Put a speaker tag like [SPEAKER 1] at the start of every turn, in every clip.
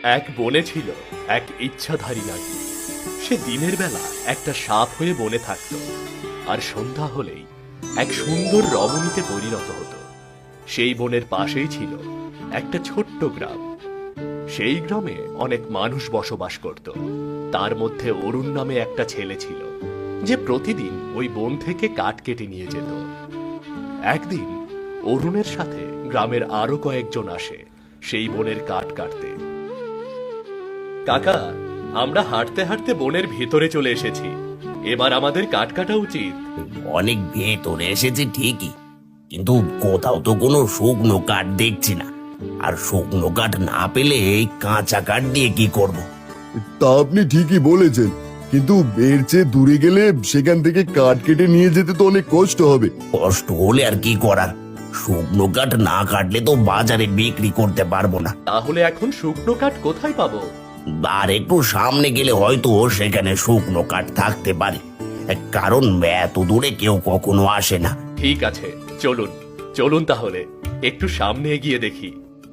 [SPEAKER 1] এক বনে ছিল এক ইচ্ছাধারী নাগী। সে দিনের বেলা একটা সাপ হয়ে বনে থাকত, আর সন্ধ্যা হলেই এক সুন্দর রমণীতে পরিণত হতো। সেই বনের পাশেই ছিল একটা ছোট্ট গ্রাম। সেই গ্রামে অনেক মানুষ বসবাস করত। তার মধ্যে অরুণ নামে একটা ছেলে ছিল, যে প্রতিদিন ওই বন থেকে কাঠ কেটে নিয়ে যেত। একদিন অরুণের সাথে গ্রামের আরো কয়েকজন আসে সেই বনের কাঠ কাটতে। কাকা, আমরা হাঁটতে হাঁটতে বনের ভিতরে চলে এসেছি, এবার আমাদের কাঠ কাটা উচিত।
[SPEAKER 2] অনেক ভেতরে এসেছে ঠিকই, কিন্তু কোথাও তো কোনো শুকনো কাঠ দেখছি না। আর শুকনো কাঠ না পেলে এই কাঁচা কাঠ দিয়ে কি করব?
[SPEAKER 3] তা আপনি ঠিকই বলেছেন, কিন্তু এর চেয়ে দূরে গেলে সেখান থেকে কাঠ কেটে নিয়ে যেতে তো অনেক কষ্ট হবে।
[SPEAKER 2] কষ্ট হলে আর কি করার, শুকনো কাঠ না কাটলে তো বাজারে বিক্রি করতে পারবো না।
[SPEAKER 1] তাহলে এখন শুকনো কাঠ কোথায় পাবো?
[SPEAKER 2] আর একটু সামনে গেলে হয়তো সেখানে শুকনো কাঠ থাকতে পারে, কারণ এত দূরে কেউ কখনো আসে না।
[SPEAKER 1] ঠিক আছে, চলুন চলুন তাহলে একটু সামনে এগিয়ে দেখি।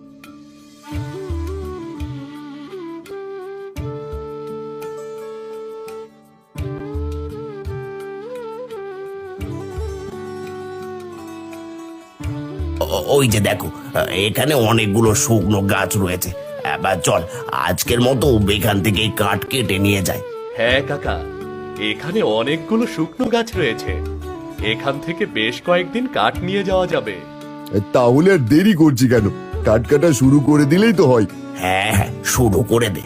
[SPEAKER 2] ওই যে দেখো, এখানে অনেকগুলো শুকনো গাছ রয়েছে। এবার চল, আজকের মতো এখান থেকে এই কাঠ কেটে নিয়ে যাই।
[SPEAKER 1] হ্যাঁ কাকা, এখানে অনেকগুলো শুকনো গাছ রয়েছে, এখান থেকে বেশ কয়েকদিন কাঠ নিয়ে যাওয়া যাবে।
[SPEAKER 3] তাহলে আর দেরি করছি কেন, কাঠ কাটা শুরু করে দিলেই তো হয়।
[SPEAKER 2] হ্যাঁ হ্যাঁ, শুরু করে দে।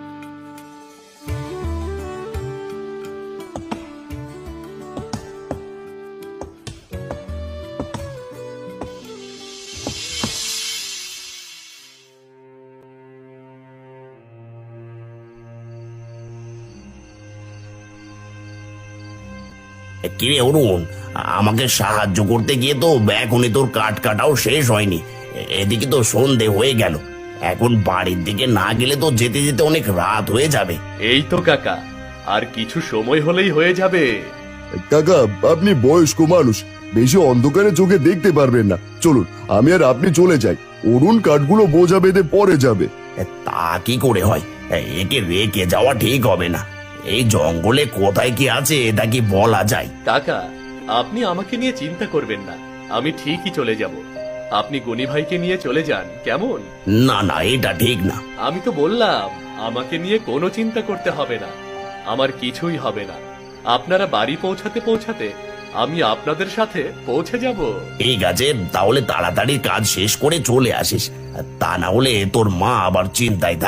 [SPEAKER 2] কিরে অরুণ, আমাকে সাহায্য করতে গিয়ে তো এখনই তোর কাঠ কাটাও শেষ হয়নি। এদিকে তো সন্ধে হয়ে গেল, এখন বাড়ির দিকে না গেলে তো যেতে যেতে অনেক রাত হয়ে যাবে।
[SPEAKER 1] এই তো কাকা, আর কিছু সময় হলেই হয়ে যাবে।
[SPEAKER 3] কাকা, আপনি বয়স্ক মানুষ, বেশি অন্ধকারে চোখে দেখতে পারবেন না। চলুন, আমি আর আপনি চলে যাই, অরুণ কাঠগুলো বোঝা বেঁধে পরে যাবে।
[SPEAKER 2] তা কি করে হয়? একে রেখে যাওয়া ঠিক হবে না। এই জঙ্গলে কোথায় কি আছে এটা কি বলা যায়?
[SPEAKER 1] কাকা, আপনি আমাকে নিয়ে চিন্তা করবেন না, আমি ঠিকই চলে যাব। আপনি গনি ভাইকে নিয়ে চলে যান, কেমন?
[SPEAKER 2] না না, এটা ঠিক না।
[SPEAKER 1] আমি তো বললাম আমাকে নিয়ে কোনো চিন্তা করতে হবে না, আমার কিছুই হবে না। আপনারা বাড়ি পৌঁছাতে পৌঁছাতে আমি আপনাদের সাথে পৌঁছে যাব।
[SPEAKER 2] ঠিক আছে, তাহলে তাড়াতাড়ি কাজ শেষ করে চলে আসিস, তা না হলে তোর মা আবার চিন্তায় থাকবে।